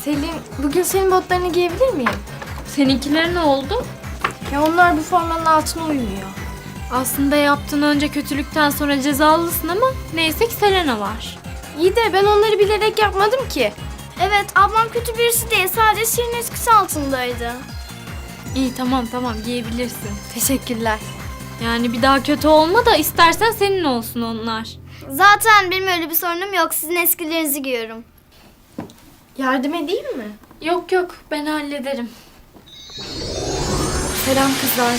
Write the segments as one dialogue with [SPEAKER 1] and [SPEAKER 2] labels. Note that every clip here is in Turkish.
[SPEAKER 1] Selin, bugün senin botlarını giyebilir miyim?
[SPEAKER 2] Seninkiler ne oldu?
[SPEAKER 1] Ya onlar bu formanın altına uymuyor.
[SPEAKER 2] Aslında yaptığın önce kötülükten sonra cezalısın ama neyse ki Selena var.
[SPEAKER 1] İyi de ben onları bilerek yapmadım ki.
[SPEAKER 3] Evet, ablam kötü birisi değil. Sadece Şirin etkisi altındaydı.
[SPEAKER 2] İyi tamam giyebilirsin.
[SPEAKER 1] Teşekkürler.
[SPEAKER 2] Yani bir daha kötü olma da istersen senin olsun onlar.
[SPEAKER 3] Zaten benim öyle bir sorunum yok. Sizin eskilerinizi giyiyorum.
[SPEAKER 1] Yardım edeyim mi?
[SPEAKER 2] Yok ben hallederim.
[SPEAKER 1] Selam kızlar.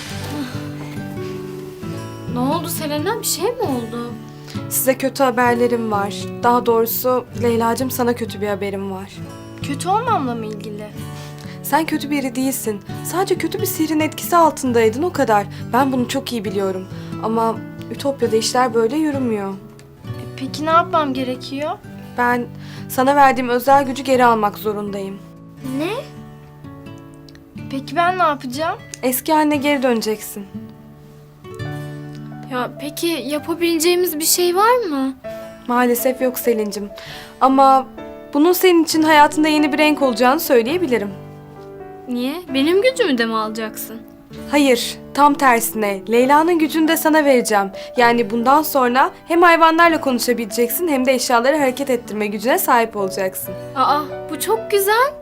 [SPEAKER 2] Ne oldu Selena, bir şey mi oldu?
[SPEAKER 4] Size kötü haberlerim var. Daha doğrusu Leyla'cığım sana kötü bir haberim var.
[SPEAKER 1] Kötü olmamla mı ilgili?
[SPEAKER 4] Sen kötü biri değilsin. Sadece kötü bir sihrin etkisi altındaydın o kadar. Ben bunu çok iyi biliyorum. Ama Ütopya'da işler böyle yürümüyor.
[SPEAKER 1] Peki ne yapmam gerekiyor?
[SPEAKER 4] Ben sana verdiğim özel gücü geri almak zorundayım.
[SPEAKER 3] Ne?
[SPEAKER 1] Peki ben ne yapacağım?
[SPEAKER 4] Eski haline geri döneceksin.
[SPEAKER 2] Ya peki yapabileceğimiz bir şey var mı?
[SPEAKER 4] Maalesef yok Selin'cim. Ama bunun senin için hayatında yeni bir renk olacağını söyleyebilirim.
[SPEAKER 2] Niye? Benim gücümü de mi alacaksın?
[SPEAKER 4] Hayır, tam tersine. Leyla'nın gücünü de sana vereceğim. Yani bundan sonra hem hayvanlarla konuşabileceksin hem de eşyaları hareket ettirme gücüne sahip olacaksın.
[SPEAKER 2] Aa, bu çok güzel.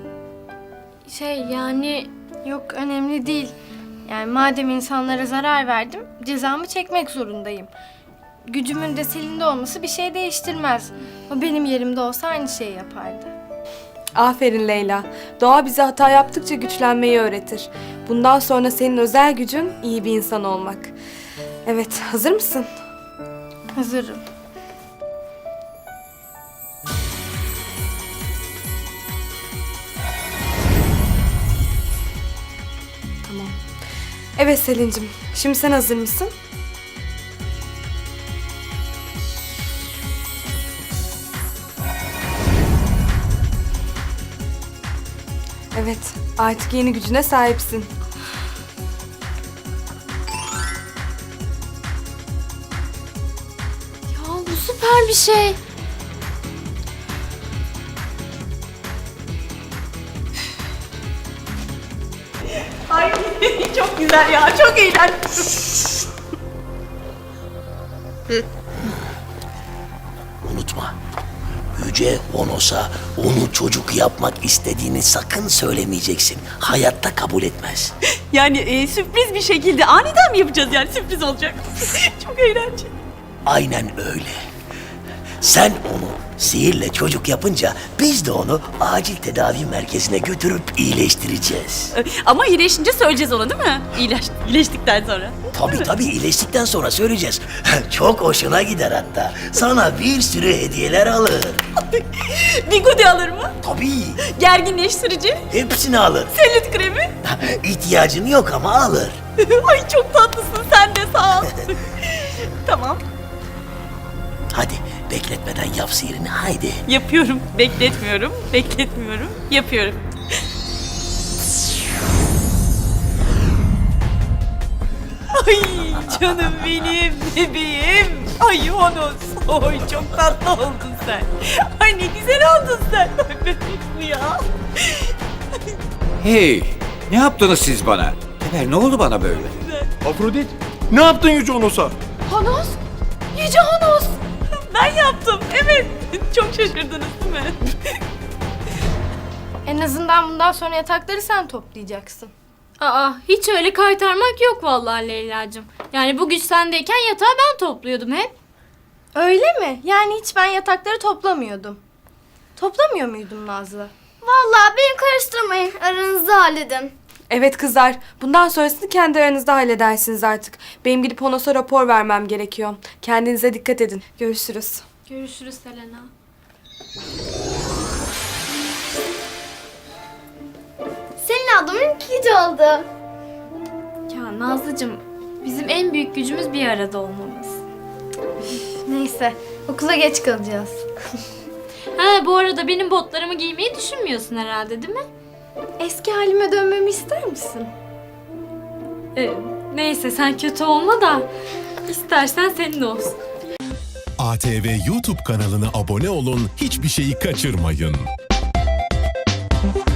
[SPEAKER 2] Yani
[SPEAKER 1] Yok, önemli değil. Yani madem insanlara zarar verdim, cezamı çekmek zorundayım. Gücümün de Selin'de olması bir şey değiştirmez. O benim yerimde olsa aynı şeyi yapardı.
[SPEAKER 4] Aferin Leyla. Doğa bize hata yaptıkça güçlenmeyi öğretir. Bundan sonra senin özel gücün iyi bir insan olmak. Evet, hazır mısın?
[SPEAKER 1] Hazırım.
[SPEAKER 4] Tamam. Evet Selin'cim, şimdi sen hazır mısın? Evet, artık yeni gücüne sahipsin.
[SPEAKER 2] ya bu süper bir şey.
[SPEAKER 5] Ay çok güzel ya, çok eğlenceli.
[SPEAKER 6] Unutma. Yüce Honos'a onu çocuk yapmak istediğini sakın söylemeyeceksin. Hayatta kabul etmez.
[SPEAKER 5] Yani sürpriz bir şekilde aniden mi yapacağız yani sürpriz olacak? Çok eğlenceli.
[SPEAKER 6] Aynen öyle. Sen onu sihirle çocuk yapınca biz de onu acil tedavi merkezine götürüp iyileştireceğiz.
[SPEAKER 5] Ama iyileşince söyleyeceğiz ona değil mi? İyileştikten sonra.
[SPEAKER 6] Tabii iyileştikten sonra söyleyeceğiz. Çok hoşuna gider hatta. Sana bir sürü hediyeler alır.
[SPEAKER 5] Bigudi alır mı?
[SPEAKER 6] Tabii.
[SPEAKER 5] Gerginleştirici,
[SPEAKER 6] Hepsini alır.
[SPEAKER 5] selülit kremi.
[SPEAKER 6] İhtiyacın yok ama alır.
[SPEAKER 5] Ay çok tatlısın sen de sağ ol. Tamam,
[SPEAKER 6] Hadi bekletmeden yap sihirini haydi.
[SPEAKER 5] yapıyorum. Bekletmiyorum, yapıyorum. Ay canım benim, bebeğim. Ay Honos, oy çok tatlı oldun sen. Ay ne güzel oldun sen. Ay bebek bu ya.
[SPEAKER 7] Hey, ne yaptınız siz bana? Ne oldu bana böyle?
[SPEAKER 8] Afrodit, ne yaptın Yüce Onos'a?
[SPEAKER 2] Honos! Yüce Honos!
[SPEAKER 5] Ben yaptım, evet. Çok şaşırdınız değil mi?
[SPEAKER 1] En azından bundan sonra yatakları sen toplayacaksın.
[SPEAKER 2] Aa, hiç öyle kaytarmak yok vallahi Leyla'cığım. Yani bu güç sendeyken yatağı ben topluyordum hep.
[SPEAKER 1] Öyle mi? Yani hiç ben yatakları toplamıyordum. Toplamıyor muydum Nazlı?
[SPEAKER 3] Vallahi beni karıştırmayın. Aranızda halledin.
[SPEAKER 4] Evet kızlar, bundan sonrasını kendi aranızda halledersiniz artık. Benim gidip Honos'a rapor vermem gerekiyor. Kendinize dikkat edin. Görüşürüz.
[SPEAKER 2] Görüşürüz Selena.
[SPEAKER 3] Senin ablamın ikinci oldu.
[SPEAKER 2] Ya Nazlıcığım, bizim en büyük gücümüz bir arada olmamız.
[SPEAKER 1] Neyse, okula geç kalacağız.
[SPEAKER 2] Ha, bu arada benim botlarımı giymeyi düşünmüyorsun herhalde değil mi?
[SPEAKER 1] Eski halime dönmemi ister misin?
[SPEAKER 2] Neyse sen kötü olma da istersen senin olsun.
[SPEAKER 9] ATV YouTube kanalına abone olun, hiçbir şeyi kaçırmayın.
[SPEAKER 3] Müzik